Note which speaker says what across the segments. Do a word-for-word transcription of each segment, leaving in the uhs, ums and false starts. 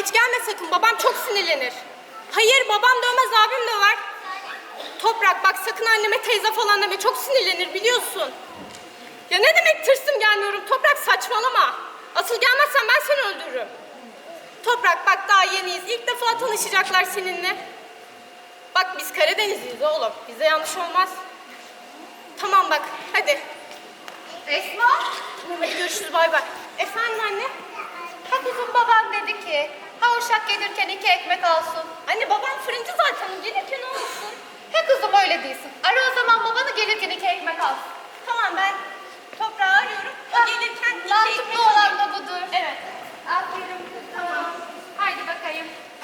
Speaker 1: geç gelme sakın. Babam çok sinirlenir. Hayır, babam dövmez, abim döver. Toprak bak, sakın anneme teyze falan deme. Çok sinirlenir biliyorsun. Ya ne demek tırsım gelmiyorum? Toprak saçmalama. Asıl gelmezsen ben seni öldürürüm. Toprak bak, daha yeniyiz. İlk defa tanışacaklar seninle. Bak biz Karadenizliyiz oğlum. Bize yanlış olmaz. Tamam bak, hadi.
Speaker 2: Esma,
Speaker 1: Hadi görüşürüz, bay bay. Efendim anne?
Speaker 2: ha kızım babam dedi ki, ha uşak gelirken iki ekmek alsın.
Speaker 1: Anne babam fırıncı zaten. Gelirken olmasın.
Speaker 2: He kızım öyle değilsin. Ara o zaman babanı gelirken iki ekmek alsın.
Speaker 1: Tamam, ben toprağı arıyorum. O
Speaker 2: Ha,
Speaker 1: gelirken iki
Speaker 2: mantıklı
Speaker 1: ekmek
Speaker 2: olan
Speaker 1: alayım.
Speaker 2: da budur.
Speaker 1: Evet.
Speaker 2: Aferin kız, tamam. Haydi bakayım.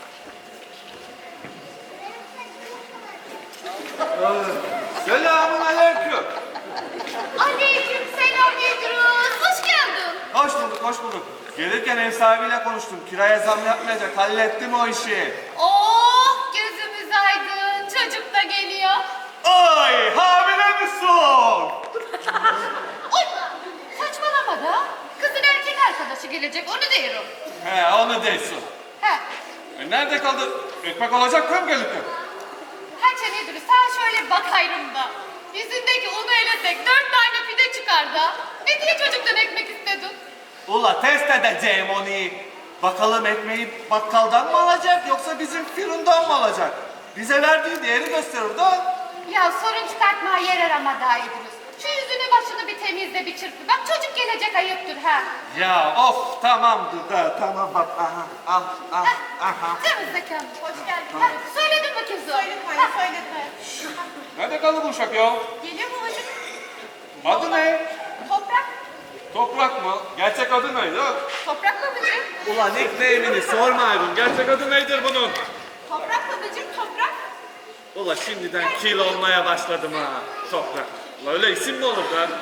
Speaker 3: Selamun aleyküm.
Speaker 2: Aleyküm selam İdris. Hoş geldin.
Speaker 3: Hoş bulduk, hoş bulduk. Gelirken ev sahibiyle konuştum. Kiraya zam yapmayacak. Hallettim o işi.
Speaker 2: Oh, gözümüz aydın. Çocuk da geliyor.
Speaker 3: Ay, hamile misin?
Speaker 2: Oy, saçmalama da. Kızın erkek arkadaşı gelecek, onu diyorum.
Speaker 3: He, onu değilsin.
Speaker 2: He,
Speaker 3: E, nerede kaldı? Ekmek olacak mı gelirken?
Speaker 2: Haçan İdris, sen şöyle bakayım da. Yüzündeki unu elesek dört tane pide çıkar da. Ne diye çocuktan ekmek istedin?
Speaker 3: Ula test edeceğim onu. Bakalım ekmeği bakkaldan mı alacak yoksa bizim fırından mı alacak? Bize verdiği değeri gösterir da.
Speaker 2: Ya sorun çıkartmaya yer arama daha İdris. Şu yüzünü başını bir temizle, bir çırpı. Bak çocuk gelecek, ayıptır ha.
Speaker 3: Ya of tamamdır da tamam bak aha ah ah aha.
Speaker 2: Temizle kendini. Hoş geldin. Ha, söyledin mi kızım?
Speaker 1: Söyledim anne, söyledim.
Speaker 3: Nerede kaldı bu uşak ya?
Speaker 1: Geliyor mu babacığım?
Speaker 3: Adı ne?
Speaker 1: Toprak.
Speaker 3: Toprak mı? Gerçek adı neydi?
Speaker 1: Toprak babacığım.
Speaker 3: Ulan nickname'ini sormayın. Gerçek adı nedir bunun?
Speaker 1: Toprak babacığım, toprak.
Speaker 3: Ulan şimdiden kil olmaya başladım ha. Toprak. Ulan öyle isim mi olur lan?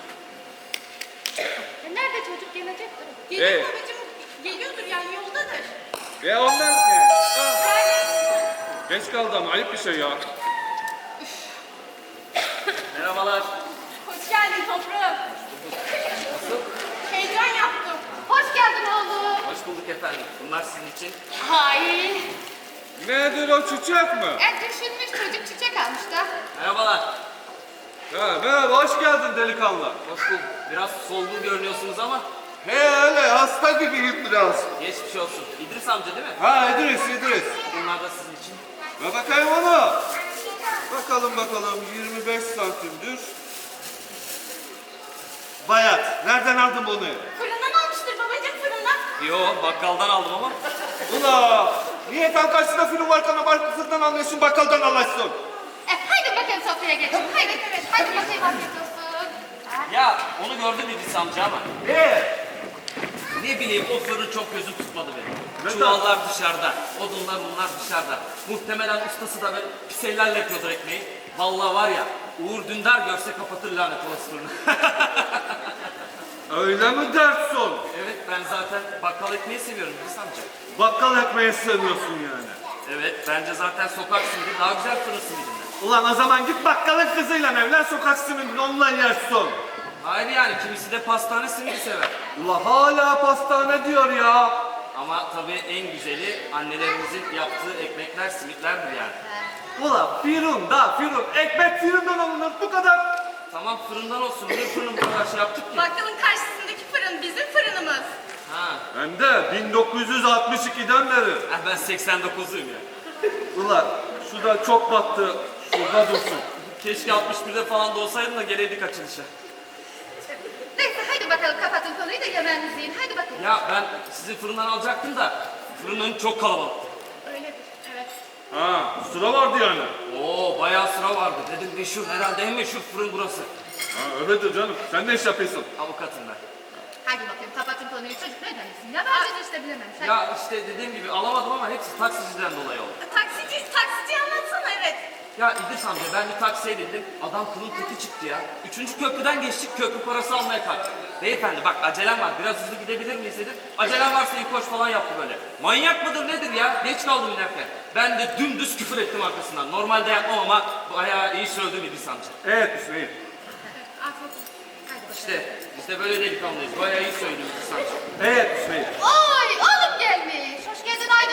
Speaker 2: E, nerede çocuk gelecektir?
Speaker 1: Geliyor
Speaker 3: Evet.
Speaker 1: babacığım. Geliyordur yani, yoldadır.
Speaker 3: Ya ondan ne? Ah, geç kaldı ama ayıp bir şey ya. Merhabalar.
Speaker 1: Hoş geldin toprağım.
Speaker 3: Nasıl?
Speaker 1: Heyecan yaptım.
Speaker 2: Hoş geldin oğlum.
Speaker 4: Hoş bulduk efendim. Bunlar sizin için.
Speaker 2: Hay.
Speaker 3: Nedir o çiçek mi?
Speaker 2: E düşünmüş çocuk çiçek almış da.
Speaker 4: Merhabalar.
Speaker 3: Ha, merhaba, hoş geldin delikanlı.
Speaker 4: Hoş bulduk. Biraz solgun görünüyorsunuz ama
Speaker 3: He öyle, hasta gibiyim biraz.
Speaker 4: geçmiş olsun. İdris amca değil mi?
Speaker 3: Ha İdris, İdris.
Speaker 4: Bunlar da sizin için.
Speaker 3: Ve bakayım ona. Bakalım bakalım, yirmi beş santimdir. Bayat, nereden aldın bunu?
Speaker 1: Fırından almıştır babacığım, fırından.
Speaker 4: Yo, bakkaldan aldım ama.
Speaker 3: Ula, niye tam karşısında film varken bakkaldan alıyorsun, bakkaldan alırsın?
Speaker 2: E haydi bakayım sofraya geçin. Haydi. Haydi bakayım afiyet olsun.
Speaker 4: Ya onu gördüm İdris amca ama.
Speaker 3: Ne?
Speaker 4: Ne bileyim o fırın çok gözüm tutmadı benim.
Speaker 3: Neden?
Speaker 4: Çuvallar dışarıda, odunlar bunlar dışarıda. Muhtemelen ustası da böyle pis ellerle yapıyordur ekmeği. Vallahi var ya, Uğur Dündar görse kapatır lanet olası fırını.
Speaker 3: Öyle mi dersin?
Speaker 4: Evet, ben zaten bakkal ekmeği seviyorum İdris amca.
Speaker 3: Bakkal ekmeği sevmiyorsun yani.
Speaker 4: Evet, bence zaten sokak simidi daha güzel fırın simidinden.
Speaker 3: Ulan o zaman git bakkalın kızıyla evlen, sokak simidini onunla yersin.
Speaker 4: Hayır yani, kimisi de pastane simidi sever.
Speaker 3: Ula hala pastane diyor ya.
Speaker 4: Ama tabii en güzeli annelerimizin yaptığı ekmekler, simitlerdir yani.
Speaker 3: Ula firun da firun, ekmek firundan alınır bu kadar.
Speaker 4: Tamam fırından olsun, niye fırının bu kadar şey yaptık ki?
Speaker 1: Bakkalın karşısındaki fırın bizim fırınımız.
Speaker 4: Ha,
Speaker 3: Hem de bin dokuz yüz altmış ikiden beri.
Speaker 4: ah ben seksen dokuzluyum ya.
Speaker 3: Ulan şu da çok battı, şurada dursun.
Speaker 4: Keşke altmış birde falan da olsaydın da geleydik açılışa.
Speaker 2: Neyse haydi bakalım kapatın konuyu da yemeğinizi yiyin. Haydi bakalım.
Speaker 4: Ya ben sizin fırından alacaktım da fırının çok kalabalık.
Speaker 1: Öyledir, evet.
Speaker 3: Ha sıra vardı yani.
Speaker 4: Oo bayağı sıra vardı. Dedim meşhur herhalde en meşhur fırın burası.
Speaker 3: Ha öyledir canım, sen ne iş yapıyorsun?
Speaker 4: Avukatım ben.
Speaker 2: Haydi bakayım kapatın konuyu. Çocuk ne demesin? Ya ben işte bilemem. Sen...
Speaker 4: Ya işte dediğim gibi alamadım ama hepsi taksiciden dolayı oldu.
Speaker 1: Taksici, taksici anlatsana, evet.
Speaker 4: Ya İdris amca ben bir taksiye bindim. Adam kılın teki çıktı ya. Üçüncü köprüden geçtik, köprü parası almaya kalktı. Beyefendi bak acelem var, biraz hızlı gidebilir miyiz dedim. Acelem varsa ilk koş falan yaptı böyle. Manyak mıdır nedir ya? Geç kaldım inerken. Ben de dümdüz küfür ettim arkasından. Normalde yapmam ama bayağı iyi söyledim İdris amca.
Speaker 3: Evet Hüseyin.
Speaker 2: Afiyet olsun. Haydi bakalım.
Speaker 4: İşte, işte böyle delikanlıyız. Bayağı iyi söyledim İdris amca.
Speaker 3: Evet Hüseyin.
Speaker 2: Oy oğlum gelmiş. Hoş geldin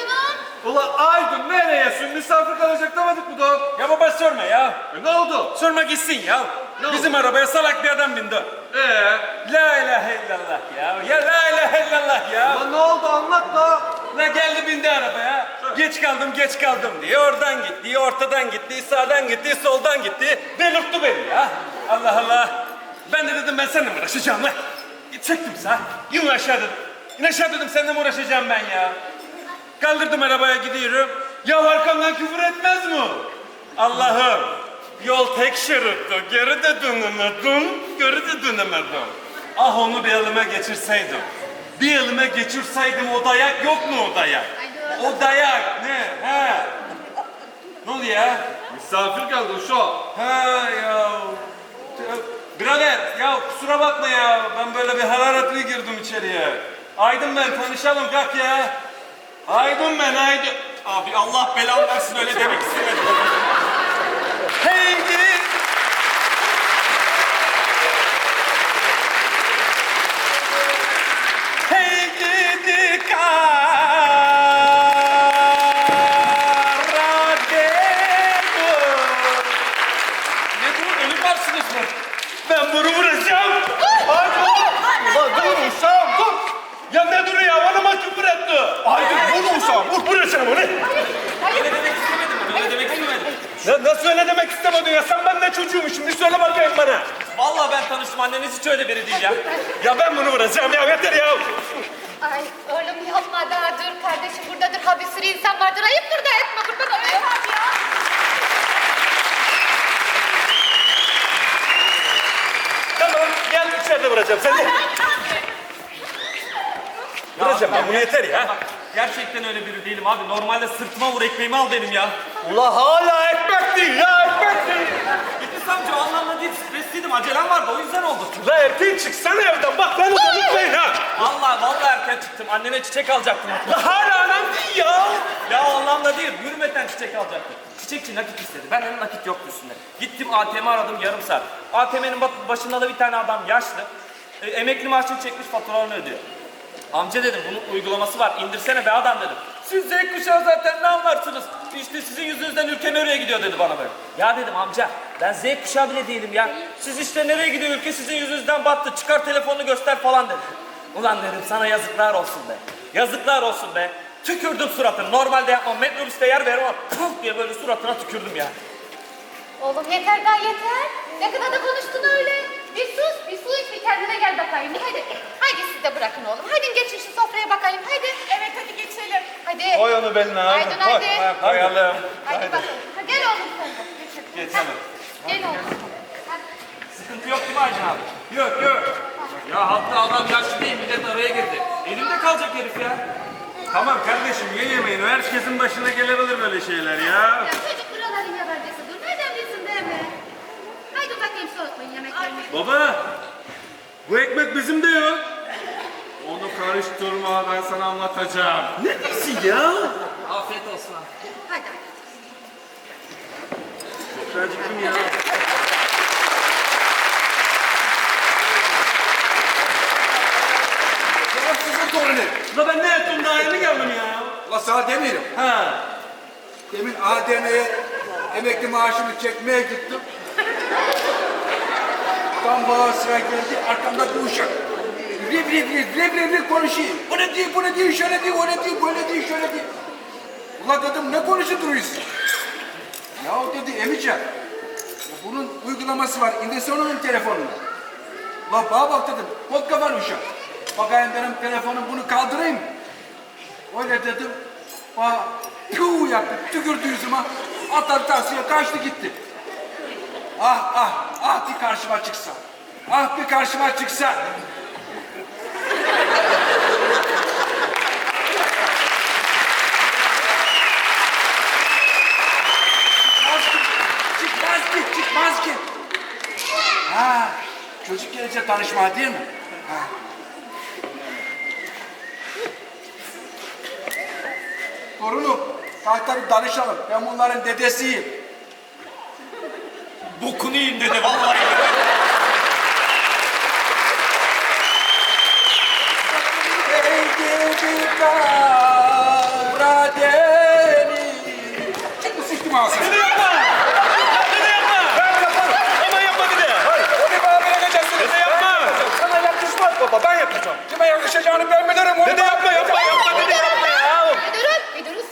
Speaker 3: Ula Aydın nereyesin? Misafir kalacak demedik mi daha?
Speaker 5: Ya baba sorma ya.
Speaker 3: E ne oldu?
Speaker 5: Sorma gitsin ya.
Speaker 3: Ne
Speaker 5: Bizim arabaya salak bir adam bindi.
Speaker 3: Ee?
Speaker 5: La ilahe illallah ya. Ya la ilahe illallah ya.
Speaker 3: Lan ne oldu anlat da.
Speaker 5: La geldi bindi arabaya. Geç kaldım geç kaldım diye oradan gitti, ortadan gitti, sağdan gitti, soldan gitti. Delirtti beni ya. Allah Allah. Ben de dedim ben seninle mi uğraşacağım lan? Çektim sağ. İn aşağı dedim. İn aşağı dedim seninle mi uğraşacağım ben ya? Kaldırdım arabaya gidiyorum. Ya arkamdan küfür etmez mi? Allah'ım. Yol tek şeritti. Geri de dönemedim. Geri de dönemedim. Ah onu bir elime geçirseydim. Bir elime geçirseydim o dayak yok mu o dayak? O dayak ne? He? Ne oluyor ya?
Speaker 3: Misafir geldi şu.
Speaker 5: Ha ya. Birader ya kusura bakma ya. Ben böyle bir hararetli girdim içeriye. Aydın ben tanışalım kalk ya. Aydın ben Aydın. Abi Allah belanı versin öyle demek istemedim. Heydi. Heydi Karadeniz. Ne bu? Ölüm varsınız mı? Ben bunu vuracağım. Hadi oğlum.
Speaker 3: Ulan dur uşağım dur.
Speaker 5: Ya ne duruyor ya? Bana mı küfür etti?
Speaker 3: Aydın vur uşağım vur.
Speaker 5: Vuracağım onu.
Speaker 4: Öyle demek istemedim ben, öyle demek istemedim.
Speaker 5: Ne, nasıl öyle demek istemedin ya? Sen ben ne çocuğuymuşum? Bir söyle bakayım bana.
Speaker 4: Vallahi ben tanıştım, anneniz hiç öyle biri değil ya.
Speaker 5: Ya ben bunu vuracağım ya. Yeter ya.
Speaker 2: Ay oğlum yapma daha dur kardeşim buradadır ha bir sürü insan vardır ayıptır da etme kurban olayım.
Speaker 5: Tamam. Gel içeride vuracağım. Sen de. Vuracağım ben. Bunu yeter ya.
Speaker 4: Bak, gerçekten öyle biri değilim abi. Normalde sırtıma vur, ekmeğimi al benim ya.
Speaker 5: Ula hala ekmek değil ya. Ekmek değil.
Speaker 4: İdris amca o anlamda değil, stresliydim. Acelem vardı, o yüzden oldu.
Speaker 5: La erken çıksana evden. Bak beni de unutmayın ha.
Speaker 4: Vallahi vallahi erken çıktım. Annene çiçek alacaktım.
Speaker 5: La hala anam değil ya.
Speaker 4: Ya o anlamda değil, yürümeden çiçek alacaktım. Çiçekçi nakit istedi. Ben hem nakit yoktu üstünde. Gittim A T M aradım yarım saat. A T M'nin başında da bir tane adam yaşlı. E, emekli maaşını çekmiş, faturalarını ödüyor. Amca dedim bunun uygulaması var. İndirsene be adam dedim. Siz Z kuşağı zaten ne anlarsınız? İşte sizin yüzünüzden ülke nereye gidiyor dedi bana böyle. Ya dedim amca ben Z kuşağı bile değilim ya. Siz işte nereye gidiyor ülke sizin yüzünüzden battı. Çıkar telefonunu göster falan dedi. Ulan dedim sana yazıklar olsun be. Yazıklar olsun be. Tükürdüm suratına. Normalde yapmam. Metrobüste yer verim ama puf diye böyle suratına tükürdüm ya.
Speaker 2: Oğlum yeter daha yeter. Ne kadar da konuştun öyle. Bir sus, bir su iç, bir kendine gel bakayım. Hadi, hadi siz de bırakın oğlum. Hadi geçin şu sofraya bakayım. Hadi.
Speaker 1: Evet hadi geçelim.
Speaker 2: Hadi.
Speaker 5: Koy onu beline abi.
Speaker 2: Aydın
Speaker 5: Koy.
Speaker 2: hadi.
Speaker 5: Ha, koyalım.
Speaker 2: Hadi bakalım. Ha, gel oğlum sen de. Geçin.
Speaker 5: Geçelim.
Speaker 2: Hadi. Gel oğlum. Hadi.
Speaker 4: Sıkıntı yok değil mi Aydın abi? Yok yok. Ya hatta adam yaşlı değil millet araya girdi. Elimde kalacak herif ya.
Speaker 5: Tamam kardeşim ye yemeğini. Herkesin başına gelebilir böyle şeyler ya.
Speaker 2: Ya çocuk buraların yabancısıdır. Nereden bilsin değil mi? Haydi bakayım soğutmayın yemeklerini.
Speaker 5: Baba, bu ekmek bizim de yok.
Speaker 3: Onu karıştırma ben sana anlatacağım.
Speaker 5: Ne diyorsun ya?
Speaker 4: Afiyet olsun abi.
Speaker 2: Hadi.
Speaker 5: Çok acıktım ya.
Speaker 6: Sizin torunu.
Speaker 5: La ben ne ettim daha yeni geldim ya.
Speaker 6: La sana demiyorum.
Speaker 5: Ha.
Speaker 6: Demin A D M'ye emekli maaşımı çekmeye gittim. Tam bana sıra geldi, arkamda bir uşak. Rip rip rip rip rip rip konuşuyor. O ne diyor, bu ne diyor, şöyle diyor, o ne diyor, böyle diyor, şöyle diyor. Ula dedim ne konuşup duruyorsun? Ya dedi Emican, ya bunun uygulaması var, indirsene onun telefonuna. Ula bana bak dedim, kot kafalı uşak. Bakayım benim telefonum bunu kaldırayım. Öyle dedim. Bana piu yaptı, tükürdü yüzüme. Atladı taksiye, kaçtı gitti. Ah ah, ah bir karşıma çıksa. Ah bir karşıma çıksa. Çıkmaz ki, çıkmaz ki. Ha, çocuk gelince tanışma değil mi? Ha. Torunum, kalk tabii danışalım. Ben bunların dedesiyim.
Speaker 4: Bokunu yiyeyim dedi vallahi.
Speaker 6: Ey gidi Karadeniz.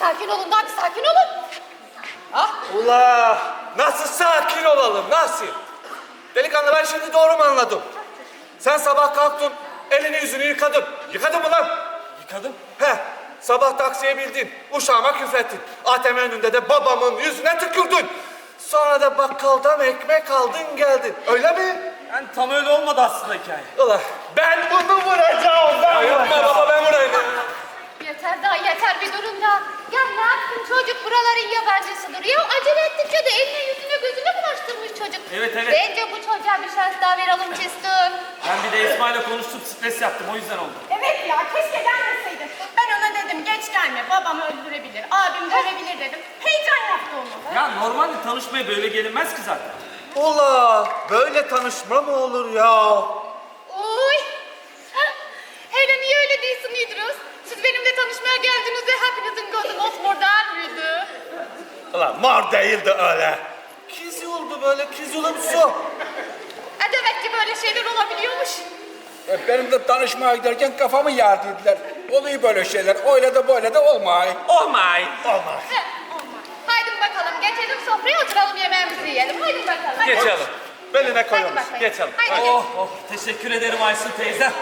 Speaker 2: sakin olun da hadi sakin olun. Ah,
Speaker 3: Ula nasıl sakin olalım nasıl? Delikanlı ben şimdi doğru mu anladım? Sen sabah kalktın elini yüzünü yıkadın. Yıkadın mı lan?
Speaker 5: Yıkadım.
Speaker 3: He sabah taksiye bildin. Uşağıma küfrettin. A T M önünde de babamın yüzüne tükürdün. Sonra da bakkaldan ekmek aldın geldin. Öyle mi?
Speaker 5: Yani tam öyle olmadı aslında hikaye.
Speaker 3: Ula ben bunu vuracağım. Ben
Speaker 5: Ya yapma
Speaker 3: vuracağım.
Speaker 5: baba ben vurayım.
Speaker 2: yeter daha yeter bir durun da. Ya ne yaptın çocuk buraların yabancısıdır. Ya acele ettikçe de eline yüzüne gözüne bulaştırmış çocuk.
Speaker 5: Evet, evet.
Speaker 2: Bence bu çocuğa bir şans daha verelim Cesur.
Speaker 4: Ben bir de İsmail'le konuştum, stres yaptım, o yüzden oldu.
Speaker 1: Evet ya keşke gelmeseydin. Ben ona dedim geç gelme babam öldürebilir, abim dövebilir dedim. Heyecan yaptı onu.
Speaker 4: Ya normalde tanışmaya böyle gelinmez ki zaten.
Speaker 3: Ula böyle tanışma mı olur ya?
Speaker 2: Uy. Hele niye öyle değilsin İdris? Siz benimle tanışmaya geldiğinizde hepinizin gözü mosmordan mıydı?
Speaker 3: Ula mor değildi öyle. Kiz oldu böyle kizulumsu.
Speaker 2: E demek ki böyle şeyler olabiliyormuş.
Speaker 6: E, benim de tanışmaya giderken kafamı yardıydılar. Oluyor böyle şeyler. Öyle de böyle de olmay.
Speaker 3: Olmay. Olmaz.
Speaker 2: Heh, olmaz. Haydi bakalım geçelim sofraya oturalım yemeğimizi yiyelim. Haydi bakalım.
Speaker 3: Geçelim. Beline
Speaker 2: Haydi
Speaker 3: koyalım.
Speaker 2: bakalım.
Speaker 3: Geçelim.
Speaker 2: Haydi.
Speaker 4: Oh oh, teşekkür ederim Aysun teyze.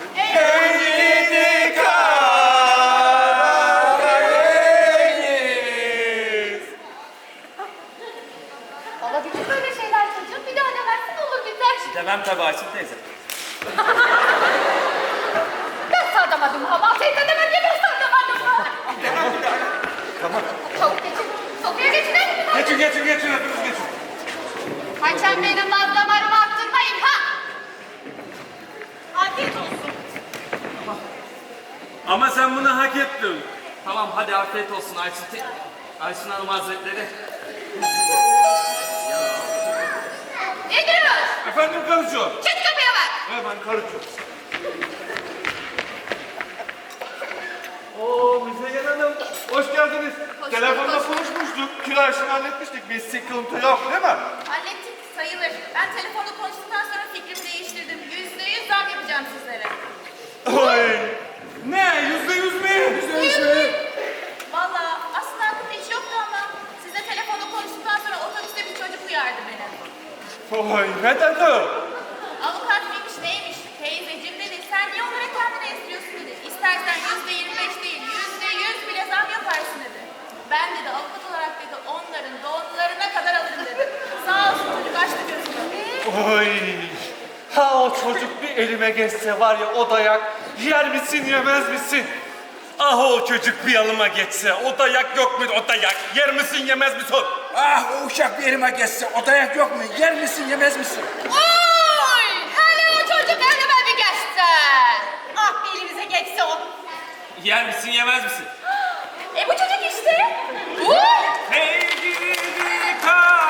Speaker 2: Olabilir böyle şeyler çocuğum. Bir daha demezsin olur biter.
Speaker 4: Demem tabii Aysun teyze.
Speaker 2: Ben sardamadım ha. Teyze demem ya ben sardamadım ha.
Speaker 3: Tamam.
Speaker 2: Çabuk geçin. Sofraya geçin hadi.
Speaker 3: Geçin geçin geçin hepiniz geçin.
Speaker 2: Kaçan benim mazlamarımı attırmayın ha.
Speaker 1: Afiyet olsun.
Speaker 5: Ama sen bunu hak ettin.
Speaker 4: Tamam hadi afiyet olsun Aysun te... Aysun Hanım Hazretleri.
Speaker 2: Ne duruyoruz?
Speaker 3: Efendim karıcığım.
Speaker 2: Çık kapıya bak.
Speaker 3: Hemen karıcığım. Oo Müzeyyen Hanım. Hoş geldiniz.
Speaker 2: Hoş
Speaker 3: Telefonda
Speaker 2: bulduk.
Speaker 3: konuşmuştuk. Kira işini halletmiştik. Bir sıkıntı yok değil mi?
Speaker 7: Hallettik sayılır. Ben telefonda konuştuktan sonra fikrimi değiştirdim. Yüzde yüz zam yapacağım sizlere.
Speaker 3: Oy. Ne? Yüzde yüz mü? Yüzde yüz mü?
Speaker 7: Valla aslında aklımda hiç yoktu ama sizle telefonda konuştuktan sonra otobüste bir çocuk uyardı beni.
Speaker 3: Oy ne dedi?
Speaker 7: Avukat mıymış neymiş? Teyzeciğim dedi. Sen niye onlara kendini estiriyorsun dedi. İstersen yüzde yirmi beş değil yüzde yüz bile zam yaparsın dedi. Ben dedi avukat olarak dedi onların doğumlarına kadar alırım dedi. Sağ olsun çocuk açtı gözünü.
Speaker 3: Oy. Ha o çocuk bir elime geçse var ya o dayak yer misin yemez misin?
Speaker 5: Ah o çocuk bir yanıma geçse, o dayak yok mu o dayak? Yer misin yemez misin?
Speaker 6: Ah o uşak bir elime geçse. O dayak yok mu? Yer misin yemez misin?
Speaker 2: Oy! Hele o çocuk elime bir geçse.
Speaker 1: Ah bir elimize geçse o.
Speaker 4: Yer misin yemez misin?
Speaker 7: E bu çocuk işte.
Speaker 2: Uy!
Speaker 4: Hey gidi kal.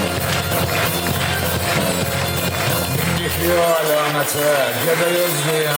Speaker 8: Yıkıyor alameti, gebe yüzlü